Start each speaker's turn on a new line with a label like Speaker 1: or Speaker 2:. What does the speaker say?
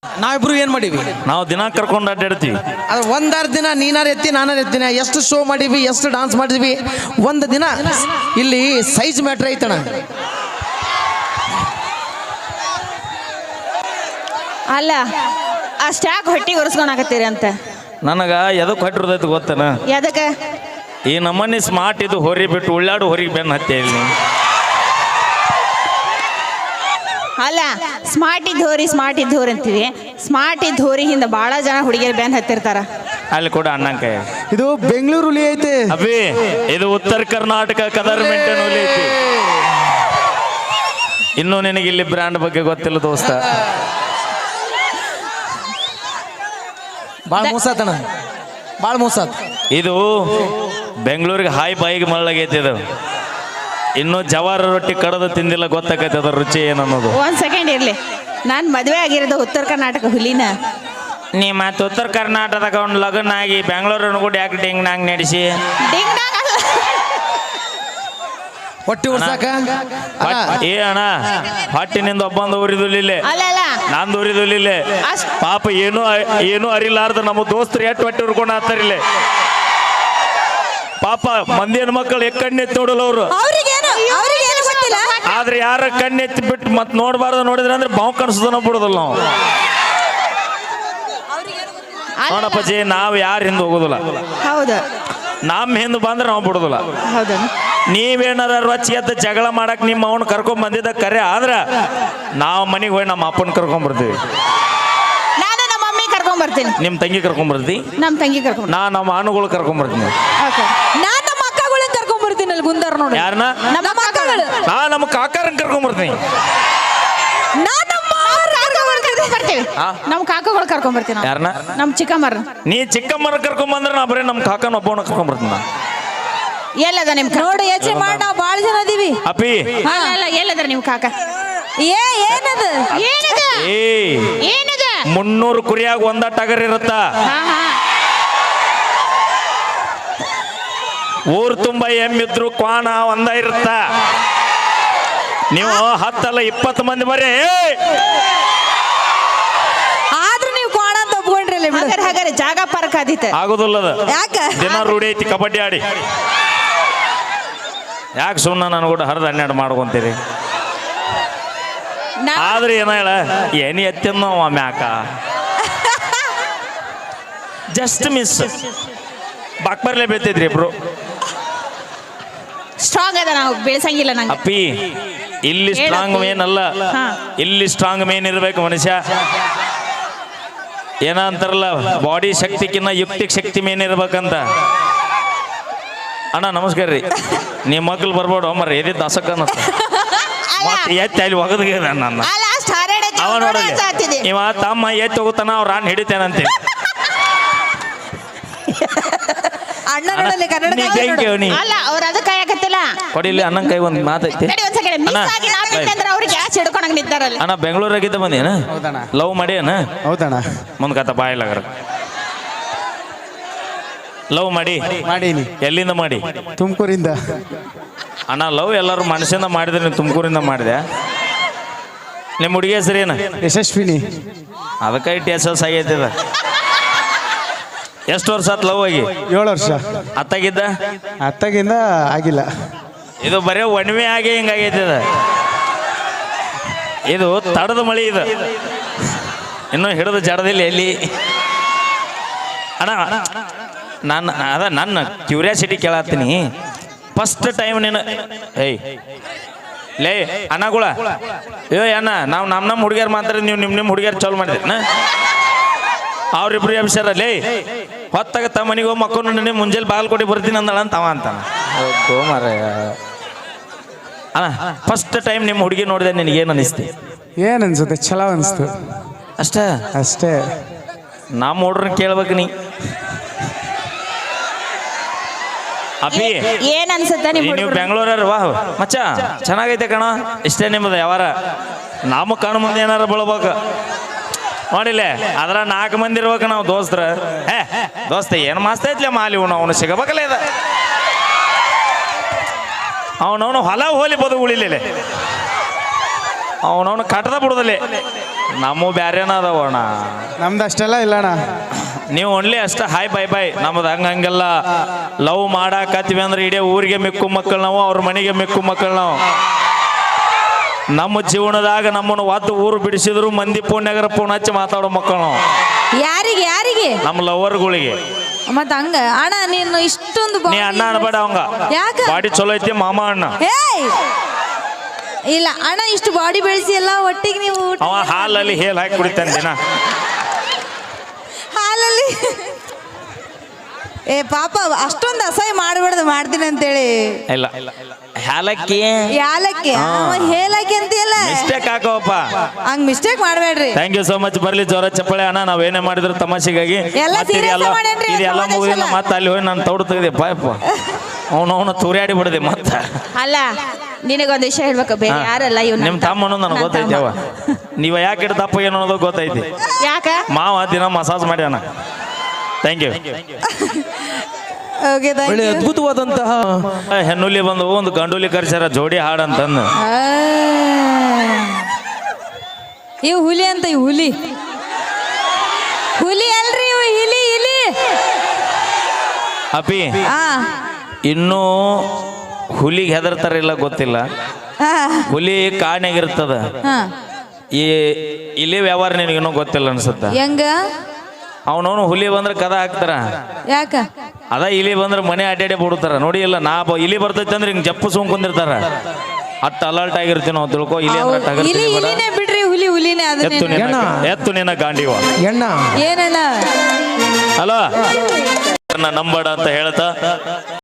Speaker 1: ನಾವಿಬ್ರು ಏನ್ ಮಾಡೀವಿ?
Speaker 2: ನಾವು ದಿನ ಕರ್ಕೊಂಡು ಅಡ್ಡಾಡ್ತೀವಿ.
Speaker 1: ಅದು ಒಂದಾರು ದಿನ ನೀನಾರು ಎತ್ತಿ ನಾನಾರು ಎತ್ತಿನ ಎಷ್ಟು ಶೋ ಮಾಡೀವಿ, ಎಷ್ಟು ಡಾನ್ಸ್ ಮಾಡಿದ್ವಿ. ಒಂದು ದಿನ ಇಲ್ಲಿ ಸೈಜ್ ಮ್ಯಾಟ್ರ್ ಐತಣ.
Speaker 3: ಅಲ್ಲ ಅಷ್ಟ್ಯಾಕೆ ಹೊಟ್ಟಿಗೆ ಒರೆಸ್ಕೊಳಕತ್ತೀರಿ ಅಂತ
Speaker 2: ನನಗ ಎದಕ್ಕೆ ಹೊಟ್ಟಿರ್ತೈತಿ ಗೊತ್ತನ?
Speaker 3: ಎದಕ್ಕೆ?
Speaker 2: ಈ ನಮ್ಮನೆ ಸ್ಮಾರ್ಟ್ ಇದು ಹೊರಿ ಬಿಟ್ಟು ಉಳ್ಳಾಡು ಹೊರಿಗೆ ಬೆನ್ನ ಹತ್ತೆ ಇಲ್ಲಿ.
Speaker 3: ಅಲ್ಲ ಸ್ಮಾರ್ಟ್ ಇದ್ದೋರಿ ಅಂತೀವಿ. ಸ್ಮಾರ್ಟ್ ಇದ್ದೋರಿ ಹಿಂದೆ ಭಾಳ ಜನ ಹುಡುಗಿಯರು ಬ್ಯಾನ್ ಹತ್ತಿರ್ತಾರ.
Speaker 2: ಅಲ್ಲಿ ಕೂಡ ಅಣ್ಣಂಕಾಯ
Speaker 1: ಇದು ಬೆಂಗಳೂರು ಹುಲಿ ಐತೆ
Speaker 2: ಅಭಿ, ಇದು ಉತ್ತರ ಕರ್ನಾಟಕ ಕದರ್ ಮೆಂಟನ್ ಹುಲಿ ಐತಿ. ಇನ್ನೂ ನಿನಗೆ ಇಲ್ಲಿ ಬ್ರ್ಯಾಂಡ್ ಬಗ್ಗೆ ಗೊತ್ತಿಲ್ಲ ದೋಸ್ತ.
Speaker 1: ಭಾಳ ಮೋಸಾತಣ, ಭಾಳ ಮೋಸಾತ್.
Speaker 2: ಇದು ಬೆಂಗಳೂರಿಗೆ ಹಾಯ್ ಬಾಯಿಗೆ ಮಳ್ಳಗೈತಿ. ಇದು ಇನ್ನು ಜವಾರ ರೊಟ್ಟಿ ಕಡದು ತಿಂದಿಲ್ಲ, ಗೊತ್ತಾಗೈತೆ ಅದ್ರ ರುಚಿ ಏನನ್ನೋದು.
Speaker 3: ಒಂದ್ ಸೆಕೆಂಡ್ ಇರ್ಲಿ, ನಾನು ಮದುವೆ ಆಗಿರೋದು ಉತ್ತರ ಕರ್ನಾಟಕ ಹುಲಿನ.
Speaker 2: ನೀ ಮತ್ತೆ ಉತ್ತರ ಕರ್ನಾಟಕದಾಗ ಒಂದು ಲಗ್ನ ಆಗಿ ಬೆಂಗಳೂರನ್ನು ಕೂಡ ಯಾಕೆ ಡಿಂಗ್ ನಾಂಗ್ ನಡೆಸಿ
Speaker 1: ಹೊಟ್ಟಿ ಉರ್ಸಾಕ
Speaker 2: ಏ ಅಣ್ಣ, ಹೊಟ್ಟಿನಿಂದ ಒಬ್ಬಂದು ಉರಿದುಲಿಲ್ಲ, ನಂದು ಉರಿದುಲಿಲ್ಲ. ಪಾಪ ಏನು ಅರಿಲಾರ್ದ ನಮ್ಮ ದೋಸ್ತರು ಎಷ್ಟು ಹೊಟ್ಟೆ ಉರ್ಕೊಂಡು ಹಾಕ್ತಾರಿಲ್ಲ. ಪಾಪ ಮಂದಿ ಹೆಣ್ಮಕ್ಳು ಕಣ್ಣೆತ್ತಿ ನೋಡಲ್ಲ ಅವರು. ಆದ್ರೆ ಯಾರ ಕಣ್ಣೆತ್ತಿ ಬಿಟ್ಟು ಮತ್ತೆ ನೋಡಬಾರ್ದು ನೋಡಿದ್ರೆ ಅಂದ್ರೆ ಬಾವು ಕನ್ಸೋದನ್ನ ಬಿಡೋದಲ್ಲ ನಾವು. ನೋಡಪ್ಪಾಜಿ, ನಾವು ಯಾರು ಹಿಂದೆ ಹೋಗೋದಿಲ್ಲ.
Speaker 3: ಹೌದು,
Speaker 2: ನಮ್ಮ ಹಿಂದೆ ಬಂದ್ರೆ ನಾವು ಬಿಡೋದಿಲ್ಲ.
Speaker 3: ಹೌದು.
Speaker 2: ನೀವೇನಾರ ರೊಚ್ಚಿ ಎದ್ದು ಜಗಳ ಮಾಡಕ್ ನಿಮ್ಮ ಅವನು ಕರ್ಕೊಂಡ್ ಬಂದಿದ್ದ ಕರೆ ಆದ್ರ ನಾವು ಮನೆಗೆ ಹೋಗಿ ನಮ್ಮ ಅಪ್ಪನ ಕರ್ಕೊಂಡ್ ಬರ್ತೀವಿ.
Speaker 3: ನಾನು ನಮ್ಮ ಮಮ್ಮಿ ಕರ್ಕೊಂಡ್ ಬರ್ತೀನಿ.
Speaker 2: ನಿಮ್ ತಂಗಿ ಕರ್ಕೊಂಡ್ ಬರ್ತಿ,
Speaker 3: ನಮ್ಮ ತಂಗಿ ಕರ್ಕೊಂಡ್,
Speaker 2: ನಾ ನಮ್ಮ ಅಣ್ಣಗಳು ಕರ್ಕೊಂಡ್ ಬರ್ತೀನಿ.
Speaker 3: ನಾನು ನಮ್ಮ ಅಕ್ಕಗಳನ್ನ ಕರ್ಕೊಂಡ್ ಬರ್ತೀನಿ. ಅಲ್ಲಿ ಗುಂದಾರ ನೋಡಿ,
Speaker 2: ಯಾರನ್ನ?
Speaker 3: ನಮ್ಮ ಅಕ್ಕಗಳು.
Speaker 2: ನಾ ನಮ್ಮ ಕಾಕಾರನ್ ಕರ್ಕೊಂಡ್ ಬರ್ತೀನಿ.
Speaker 3: ನಮ್ಮ ಕಾಕಗಳು ಕರ್ಕೊಂಡ್ ಬರ್ತೀನಿ.
Speaker 2: ಯಾರನ್ನ?
Speaker 3: ನಮ್ಮ ಚಿಕ್ಕಮ್ಮರ.
Speaker 2: ನೀ ಚಿಕ್ಕಮ್ಮರ ಕರ್ಕೊಂಡ್ ಬಂದ್ರೆ ನಾ ಬರೀ ನಮ್ಮ ಕಾಕನ ಒಬ್ಬವನ್ನ ಕರ್ಕೊಂಡ್ ಬರ್ತೀನಿ.
Speaker 3: ಎಲ್ಲದ ನಿಮ್ ನೋಡಿ ಯೋಚನೆ ಮಾಡಿ, ನಾವು ಭಾಳ ಜನ ಅದೀವಿ.
Speaker 2: ಅಪ್ಪಿ
Speaker 3: ಅಲ್ಲ, ಎಲ್ಲದ ನಿಮ್ ಕಾಕ? ಏನದ ಏನದ ಏನದ
Speaker 2: 300 ಕುರಿಯಾಗ ಒಂದ ಟಗರ್ ಇರುತ್ತ. ಊರ್ ತುಂಬಾ ಎಮ್ಮಿದ್ರು ಕ್ವಾಣ ಒಂದ ಇರುತ್ತ. ನೀವು 10 ಅಲ್ಲ 20 ಮಂದಿ ಬರೀ
Speaker 3: ಆದ್ರೂ ನೀವು ಕ್ವಾಣ ಅಂತ ಒಪ್ಕೊಂಡ್ರಿ. ಹಾಗಾದ್ರೆ ಜಾಗ ಪಾರ್ಕ್ ಆದಿತ್ತ
Speaker 2: ಆಗೋದಿಲ್ಲದ.
Speaker 3: ಯಾಕ?
Speaker 2: ದಿನ ರೂಢಿ ಐತಿ ಕಬಡ್ಡಿ ಆಡಿ. ಯಾಕೆ ಸುಮ್ಮನೆ ನಾನು ಕೂಡ ಹರಿದು 12 ಮಾಡ್ಕೊಂತೀರಿ? ಆದ್ರೆ ಏನ ಹೇಳ, ಏನಿ ಎತ್ತಿನ ಮ್ಯಾಕ ಜಸ್ಟ್ ಮಿಸ್ ಬಾಕ್ಬರ್ಲೆ ಬೀಳ್ತಿದ್ರಿ ಇಬ್ರು.
Speaker 3: ಸ್ಟ್ರಾಂಗ್ ಅದ, ನಾವು ಬೆಳೆಸಂಗಿಲ್ಲ ನಂಗೆ.
Speaker 2: ಅಪ್ಪಿ, ಇಲ್ಲಿ ಸ್ಟ್ರಾಂಗ್ ಮೇನ್ ಅಲ್ಲ, ಇಲ್ಲಿ ಸ್ಟ್ರಾಂಗ್ ಮೇನ್ ಇರ್ಬೇಕು ಮನುಷ್ಯ. ಏನ ಅಂತಾರಲ್ಲ, ಬಾಡಿ ಶಕ್ತಿಕಿನ್ನ ಯುಕ್ತಿಕ್ ಶಕ್ತಿ ಮೇನ್ ಇರ್ಬೇಕಂತ. ಅಣ್ಣ ನಮಸ್ಕಾರ ರೀ. ನಿಮ್ಮ ಮಕ್ಳು ಬರ್ಬೋಡು ಅಮ್ಮರ ಎದಿ ದಸಕ ಮತ್ತೆ ಎತ್ತಿ ಅಲ್ಲಿ ಒಗದ್ಗೆ ನನ್ನ ಅವ ನೋಡಲಿ. ಇವ ತಮ್ಮ ಎತ್ತಿ ಹೋಗುತ್ತಾನ, ಅವ್ರ ಅಣ್ಣ ಹಿಡಿತೇನಂತೆ.
Speaker 3: ಅಲ್ಲ, ಅವ್ರ ಅದ ಕಾಯಕತ್ತಿಲ್ಲ.
Speaker 2: ಕೊಡಿಲಿ ಅಣ್ಣನ ಕೈ ಒಂದು ಮಾತೈತಿ. ಅಣ್ಣ ಬೆಂಗಳೂರಾಗಿದ್ದ ಬಂದೇನ? ಲವ್ ಮಾಡಿ ಅಣ್ಣ?
Speaker 1: ಹೌದಣ್ಣ.
Speaker 2: ಮುಂದ್ ಕಥ ಬಾಯಿಲಾಗರ ಲವ್ ಮಾಡೀನಿ. ಎಲ್ಲಿಂದ ಮಾಡಿ?
Speaker 1: ತುಮಕೂರಿಂದ.
Speaker 2: ಅಣ್ಣ ಲವ್ ಎಲ್ಲರೂ ಮನುಷ್ಯನ ಮಾಡಿದ್ರೆ ನೀವು ತುಮಕೂರಿಂದ ಮಾಡಿದೆ. ನಿಮ್ಮ ಹುಡುಗಿ ಹೆಸರು ಏನು?
Speaker 1: ಯಶಸ್ವಿನಿ.
Speaker 2: ಅದಕ್ಕೆ TSS ಆಗೈತಿದ. ಎಷ್ಟು ವರ್ಷ ಆತ್ ಲವ್ ಆಗಿ?
Speaker 1: 7 ವರ್ಷ. ಅತ್ತಾಗಿಂದ ಆಗಿಲ್ಲ.
Speaker 2: ಇದು ಬರೀ ಒಣವೆ ಆಗಿ ಹಿಂಗಾಗೈತಿದ. ಇದು ತಡದ ಮಳಿ. ಇದು ಇನ್ನೂ ಹಿಡಿದು ಜಡದಿಲ್ಲ ಎಲ್ಲಿ. ಅಣ್ಣ ನನ್ನ ಕ್ಯೂರಿಯಾಸಿಟಿ ಕೇಳತ್ತೀನಿ. ಫಸ್ಟ್ ಟೈಮ್ ನೀನು ಲೇ ಅಣ್ಣಗಳ ಅಣ್ಣ, ನಾವು ನಮ್ಮ ಹುಡುಗಿಯರು ಮಾತಾಡಿದ್, ನೀವು ನಿಮ್ಮ ಹುಡುಗಿಯರು ಚಾಲು ಮಾಡಿದ್ರಿ. ಅವ್ರಿಬ್ರು ಅಭಿಷಾರ ಲೇ ಹೊತ್ತಾಗ ತಮ್ಮ ಮನೆಗೆ ಹೋಗಿ ಮಕ್ಕಳು ನೀನು ಮುಂಜಾನೆ ಬಾಗಲಕೋಟೆ ಬರ್ತೀನಿ ಅಂದಳ ಅಂತ ಅವ ಅಂತಾನ. ಅಣ್ಣ ಫಸ್ಟ್ ಟೈಮ್ ನಿಮ್ಮ ಹುಡುಗಿ ನೋಡಿದೆ, ನಿನಗೇನು ಅನಿಸ್ತಿ?
Speaker 1: ಏನ್ ಅನ್ಸುತ್ತೆ? ಚಲೋ ಅನಿಸ್ತು ಅಷ್ಟೇ.
Speaker 2: ನಮ್ಮ ಹುಡ್ರನ್ನ ಕೇಳ್ಬೇಕು ನೀ. ಅಪ್ಪಿ
Speaker 3: ಏನ್ ಅನ್ಸುತ್ತೆ?
Speaker 2: ನೀವು ಬೆಂಗಳೂರವ್ರು? ವಾಹ್ ಮಚ್ಚ ಚೆನ್ನಾಗೈತೆ ಕಣ. ಇಷ್ಟೇ ನಿಮ್ಮದು ಯಾವಾರ. ನಮ್ಮ ಕಣ್ಣು ಮುಂದೆ ಏನಾರ ಬೀಳ್ಬೇಕು ನೋಡಿಲ್ಲ. ಅದ್ರ 4 ಮಂದಿ ಇರ್ಬೇಕು ನಾವು ದೋಸ್ತರ. ದೋಸ್ತ ಏನು ಮಸ್ತ್ ಐತ್ಲೆ ಮಾಲಿ ಅವನು ಸಿಗಬೇಕಲ್ಲ. ಇದ ಅವನವನು ಹೊಲ ಹೋಲಿ ಬದು ಉಳಿಲಿಲ್ಲ. ಅವನವನು ಕಟ್ಟದ ಬಿಡುದಲ್ಲಿ ನಮ್ಮ ಬ್ಯಾರೇನ ಅದಾವಣ.
Speaker 4: ನಮ್ದು ಅಷ್ಟೆಲ್ಲ ಇಲ್ಲಣ್ಣ.
Speaker 2: ನೀವು ಓನ್ಲಿ ಅಷ್ಟ ಹಾಯ್ ಬೈ ಬೈ. ನಮ್ದು ಹಂಗೆಲ್ಲ ಲವ್ ಮಾಡಾಕತ್ತೀವಿ ಅಂದ್ರೆ ಇಡೀ ಊರಿಗೆ ಮಿಕ್ಕು ಮಕ್ಕಳು ನಾವು, ಅವ್ರ ಮನೆಗೆ ಮಿಕ್ಕು ಮಕ್ಕಳು ನಾವು. ನಮ್ಮ ಜೀವನದಾಗ ನಮ್ಮನ್ನು ಒದ್ದು ಊರು ಬಿಡಿಸಿದ್ರು ಮಂದಿ ಫೋನ್ಯಾಗರ ಫೋನ್ ಹಚ್ಚಿ ಮಾತಾಡೋ ಮಕ್ಕಳು ನಾವು.
Speaker 3: ಯಾರಿಗೆ ಯಾರಿಗೆ?
Speaker 2: ನಮ್ಮ ಲವರ್ಗಳಿಗೆ.
Speaker 3: ಮತ್ತ ಹಂಗ ಅಣ್ಣ ನೀನು ಇಷ್ಟೊಂದು
Speaker 2: ನೀ ಅಣ್ಣ ಅನ್ಬೇಡ ಅವಂಗ.
Speaker 3: ಯಾಕ?
Speaker 2: ಬಾಡಿ ಚಲೋ ಐತಿ ಮಾಮ ಅಣ್ಣ.
Speaker 3: ಏಯ್ ಇಲ್ಲ ಅಣ್ಣ, ಇಷ್ಟು ಬಾಡಿ ಬೆಳೆಸಿ ಎಲ್ಲ ಒಟ್ಟಿಗೆ ನೀವು
Speaker 2: ಅವ ಹಾಲಲ್ಲಿ ಹೇಲ್ ಹಾಕಿ ಕುಡಿತಾನೆ ದಿನ.
Speaker 3: ಹಾಲಲ್ಲಿ ಏ ಪಾಪ ಅಷ್ಟೊಂದು ಅಸಹ್ಯ ಮಾಡಬಾರ್ದು, ಮಾಡ್ತೀನಿ ಅಂತೇಳಿ.
Speaker 2: ಇಲ್ಲ ಹಾಲಕ್ಕಿ
Speaker 3: ಯಾಲಕ್ಕಿ ಹೇಲಕ್ಕಿ ಅಂತೀಯಲ್ಲ,
Speaker 2: ಮಿಸ್ಟೇಕ್ ಹಾಕೋಪ್ಪ.
Speaker 3: ಹಂಗ್ ಮಿಸ್ಟೇಕ್ ಮಾಡಬೇಡ್ರಿ.
Speaker 2: Thank you so much. ಬರ್ಲಿ ಜೋರ ಚಪ್ಪಳೆ ಅಣ್ಣ. ನಾವೇನೇ ಮಾಡಿದ್ರು ತಮಾಷೆಗಾಗಿ.
Speaker 3: ಎಲ್ಲ
Speaker 2: ಮತ್ತೆ
Speaker 3: serious ಮಾಡೇನ್ರಿ,
Speaker 2: ಇದೆಲ್ಲ
Speaker 3: ಸಮಾವೇಶ
Speaker 2: ಮುಗಿದಿಲ್ಲ.
Speaker 3: ಎಲ್ಲ.
Speaker 2: ಮತ್ತೆ ಅಲ್ಲಿ ಹೋಗಿ ನಾನು ತೌಡು ತೆಗೆದೆ ಪಾಯಪ್ಪ. ಅವನು ತೂರ್ಯಾಡಿ ಬಿಡದೆ ಮತ್ತೆ.
Speaker 3: ಅಲ್ಲ ನಿನಗೊಂದು ವಿಷಯ ಹೇಳ್ಬೇಕು, ಬೇರೆ ಯಾರಲ್ಲ ಇವ್ನು
Speaker 2: ನಿಮ್ ತಮ್ಮ ಅನ್ನೋದು ನನಗೆ ಗೊತ್ತೈತಿ. ಅವ ನೀವ ಯಾಕೆ ಇಟ್ಟು ದಪ್ಪ ಏನು ಅನ್ನೋದು ಗೊತ್ತೈತಿ.
Speaker 3: ಯಾಕ?
Speaker 2: ಮಾವ ದಿನ ಮಸಾಜ್ ಮಾಡ್ಯಾನ. Thank you.
Speaker 3: ಓಕೆ
Speaker 1: ಒಳ್ಳೆ ಅದ್ಭುತವಾದಂತಹ
Speaker 2: ಹೆಣ್ಣುಲಿ ಬಂದು ಒಂದು ಗಂಡುಲಿ ಕರ್ಸ್ಯಾರ ಜೋಡಿ ಹಾಡಂತಂದು.
Speaker 3: ಇವು ಹುಲಿ ಅಂತ, ಇವು ಹುಲಿ ಹುಲಿ ಅಲ್ರಿ, ಇವು ಇಲಿ ಇಲಿ.
Speaker 2: ಅಪಿ
Speaker 3: ಆ
Speaker 2: ಇನ್ನೂ ಹುಲಿಗೆ ಹೆದರ್ತಾರಿಲ್ಲ ಗೊತ್ತಿಲ್ಲ. ಹುಲಿ ಕಾಡ್ನಾಗಿರ್ತದ. ಈ ಇಲಿ ವ್ಯವಹಾರ ನಿನಗೇನೋ ಗೊತ್ತಿಲ್ಲ ಅನ್ಸುತ್ತ.
Speaker 3: ಹೆಂಗ?
Speaker 2: ಅವನವನು ಹುಲಿ ಬಂದ್ರೆ ಕದ ಹಾಕ್ತಾರ.
Speaker 3: ಯಾಕ?
Speaker 2: ಅದ ಇಲಿ ಬಂದ್ರೆ ಮನೆ ಅಡ್ಡಾಡಿ ಬಿಡ್ತಾರ. ನೋಡಿ ಇಲ್ಲ ಇಲಿ ಬರ್ತೈತೆ ಅಂದ್ರೆ ಹಿಂಗ್ ಜಪ್ಪು ಸುಮ್ಕೊಂಡಿರ್ತಾರ. ಅಟ್ ಅಲರ್ಟ್ ಆಗಿರ್ತೀವಿ ನಾವು. ತಿಳ್ಕೊ ಇಲಿ ಅಂದ್ರೆ
Speaker 3: ಇಲಿ ಇಲಿನೇ ಬಿಡ್ರಿ, ಹುಲಿ ಹುಲಿನೇ.
Speaker 2: ಎತ್ತು ನಿನ್ನ ಗಾಂಡಿವ
Speaker 1: ಎಣ್ಣ
Speaker 3: ಏನಣ್ಣ
Speaker 2: ಅಲ್ಲ ನಂಬಡ ಅಂತ ಹೇಳ್ತಾ